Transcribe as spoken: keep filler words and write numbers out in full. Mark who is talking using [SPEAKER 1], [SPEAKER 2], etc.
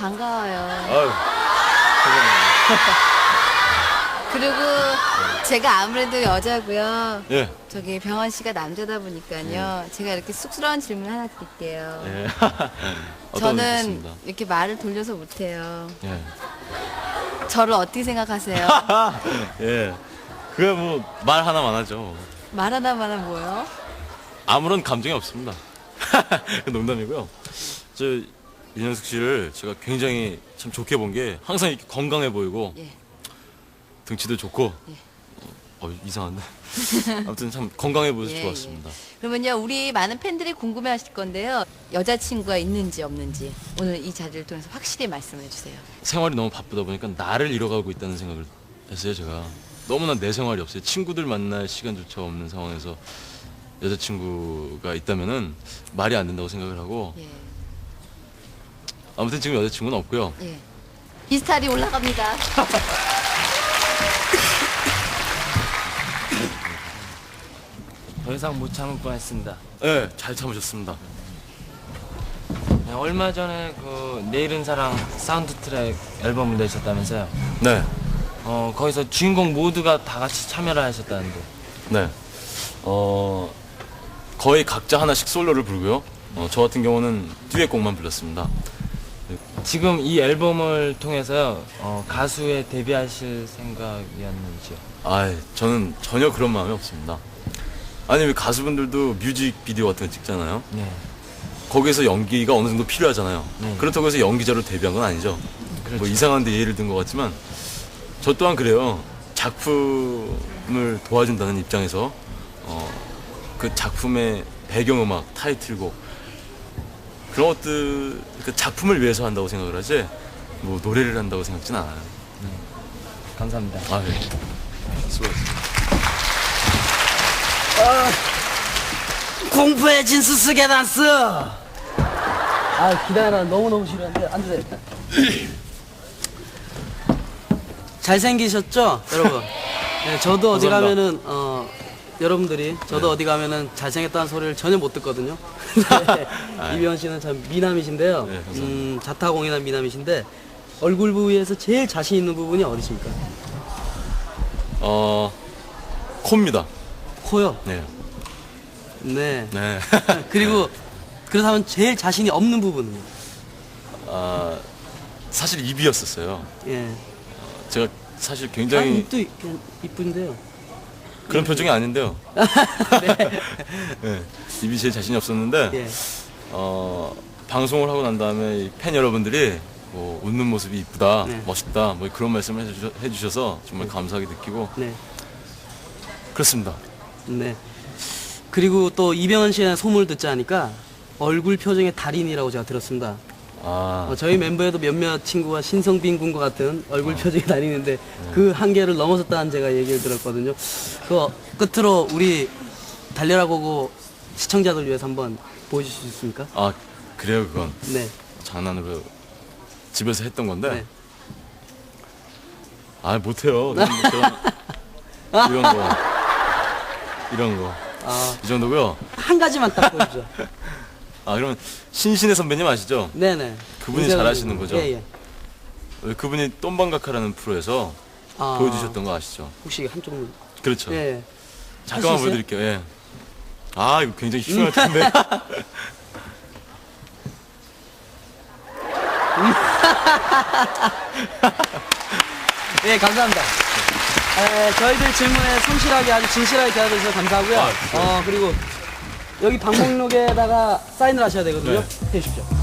[SPEAKER 1] 반가워요.
[SPEAKER 2] 아유,
[SPEAKER 1] 그리고 제가 아무래도 여자고요.
[SPEAKER 2] 예.
[SPEAKER 1] 저기 병원 씨가 남자다 보니까요. 제가 이렇게 쑥스러운 질문 하나 드릴게요.
[SPEAKER 2] 예. 어떤
[SPEAKER 1] 저는
[SPEAKER 2] 분이십니까?
[SPEAKER 1] 이렇게 말을 돌려서 못해요.
[SPEAKER 2] 예.
[SPEAKER 1] 저를 어떻게 생각하세요?
[SPEAKER 2] 예. 그게 뭐 말 하나만 하죠.
[SPEAKER 1] 말 하나만 뭐요?
[SPEAKER 2] 아무런 감정이 없습니다. 농담이고요. 저 윤현숙 씨를 제가 굉장히 참 좋게 본 게 항상 이렇게 건강해 보이고
[SPEAKER 1] 예.
[SPEAKER 2] 등치도 좋고
[SPEAKER 1] 예.
[SPEAKER 2] 어, 이상한데 아무튼 참 건강해 보여서
[SPEAKER 1] 예,
[SPEAKER 2] 좋았습니다.
[SPEAKER 1] 예. 그러면요, 우리 많은 팬들이 궁금해하실 건데요. 여자친구가 있는지 없는지 오늘 이 자리를 통해서 확실히 말씀해 주세요.
[SPEAKER 2] 생활이 너무 바쁘다 보니까 나를 잃어가고 있다는 생각을 했어요. 제가 너무나 내 생활이 없어요. 친구들 만날 시간조차 없는 상황에서 여자친구가 있다면은 말이 안 된다고 생각을 하고
[SPEAKER 1] 예.
[SPEAKER 2] 아무튼 지금 여자친구는 없고요.
[SPEAKER 1] 예. 비스타리 올라갑니다.
[SPEAKER 3] 더 이상 못 참을 뻔했습니다.
[SPEAKER 2] 네, 잘 참으셨습니다.
[SPEAKER 3] 네, 얼마 전에 그 내일은 사랑 사운드 트랙 앨범을 내셨다면서요?
[SPEAKER 2] 네,
[SPEAKER 3] 어 거기서 주인공 모두가 다 같이 참여를 하셨다는데.
[SPEAKER 2] 네. 어 거의 각자 하나씩 솔로를 부르고요. 어, 저 같은 경우는 듀엣곡만 불렀습니다.
[SPEAKER 3] 지금 이 앨범을 통해서요 어, 가수에 데뷔하실 생각이었는지요?
[SPEAKER 2] 아, 저는 전혀 그런 마음이 없습니다. 아니 왜 가수분들도 뮤직비디오 같은 거 찍잖아요.
[SPEAKER 3] 네.
[SPEAKER 2] 거기에서 연기가 어느 정도 필요하잖아요.
[SPEAKER 3] 네.
[SPEAKER 2] 그렇다고 해서 연기자로 데뷔한 건 아니죠.
[SPEAKER 3] 그렇죠.
[SPEAKER 2] 뭐 이상한데 예를 든 것 같지만 저 또한 그래요. 작품을 도와준다는 입장에서 어, 그 작품의 배경음악, 타이틀곡 그런 것들 그 작품을 위해서 한다고 생각을 하지 뭐 노래를 한다고 생각지는 않아요.
[SPEAKER 3] 감사합니다.
[SPEAKER 2] 아, 예. 수고하셨습니다.
[SPEAKER 4] 공포의 진수 쓰게 단스. 아 기다려, 너무너무 싫어하는데 앉으세요. 잘생기셨죠 여러분? 네, 저도 어디
[SPEAKER 2] 감사합니다.
[SPEAKER 4] 가면은 어 여러분들이 저도 어디 가면은 잘생겼다는 소리를 전혀 못 듣거든요. 네, 이병헌 씨는 참 미남이신데요.
[SPEAKER 2] 네, 감사합니다.
[SPEAKER 4] 음, 자타공인한 미남이신데 얼굴 부위에서 제일 자신 있는 부분이 어디십니까?
[SPEAKER 2] 어, 코입니다.
[SPEAKER 4] 코요.
[SPEAKER 2] 네.
[SPEAKER 4] 네.
[SPEAKER 2] 네.
[SPEAKER 4] 그리고 그렇다면 제일 자신이 없는 부분은요?
[SPEAKER 2] 아, 사실 입이었었어요.
[SPEAKER 4] 예.
[SPEAKER 2] 제가 사실
[SPEAKER 4] 아,
[SPEAKER 2] 굉장히
[SPEAKER 4] 입도 이- 그냥 이쁜데요.
[SPEAKER 2] 그런 표정이 아닌데요.
[SPEAKER 4] 네.
[SPEAKER 2] 네. 입이 제일 자신이 없었는데
[SPEAKER 4] 예.
[SPEAKER 2] 어, 방송을 하고 난 다음에 이 팬 여러분들이 뭐 웃는 모습이 이쁘다,
[SPEAKER 4] 네.
[SPEAKER 2] 멋있다, 뭐 그런 말씀을 해주셔, 해주셔서 정말 감사하게 느끼고
[SPEAKER 4] 네.
[SPEAKER 2] 그렇습니다.
[SPEAKER 4] 네. 그리고 또 이병헌 씨의 소문을 듣자 하니까 얼굴 표정의 달인이라고 제가 들었습니다.
[SPEAKER 2] 아,
[SPEAKER 4] 어, 저희 멤버에도 몇몇 친구가 신성빈 군과 같은 얼굴 표정의 달인인데 그 한계를 넘어섰다는 제가 얘기를 들었거든요. 그 끝으로 우리 달려라 고고 시청자들 위해서 한번 보여주실 수 있습니까?
[SPEAKER 2] 아 그래요 그건
[SPEAKER 4] 네.
[SPEAKER 2] 장난으로 집에서 했던 건데
[SPEAKER 4] 네.
[SPEAKER 2] 아 못해요. 저는 뭐 그런 이런 거 이런 거 이
[SPEAKER 4] 아,
[SPEAKER 2] 정도고요.
[SPEAKER 4] 한 가지만 딱 보여주죠.
[SPEAKER 2] 아 그러면 신신의 선배님 아시죠?
[SPEAKER 4] 네네.
[SPEAKER 2] 그분이
[SPEAKER 4] 이세훈
[SPEAKER 2] 잘하시는
[SPEAKER 4] 선생님.
[SPEAKER 2] 거죠?
[SPEAKER 4] 예, 예.
[SPEAKER 2] 왜 그분이 똠방각하라는 프로에서
[SPEAKER 4] 아,
[SPEAKER 2] 보여주셨던 거 아시죠?
[SPEAKER 4] 혹시 한쪽.
[SPEAKER 2] 그렇죠.
[SPEAKER 4] 예.
[SPEAKER 2] 잠깐만
[SPEAKER 4] 할수 있어요?
[SPEAKER 2] 보여드릴게요. 예. 아 이거 굉장히 흉할 텐데.
[SPEAKER 4] 예, 감사합니다. 에, 저희들 질문에 성실하게 아주 진실하게 대답해주셔서 감사하고요.
[SPEAKER 2] 아,
[SPEAKER 4] 어, 그리고 여기 방목록에다가 사인을 하셔야 되거든요.
[SPEAKER 2] 네.
[SPEAKER 4] 해주십시오.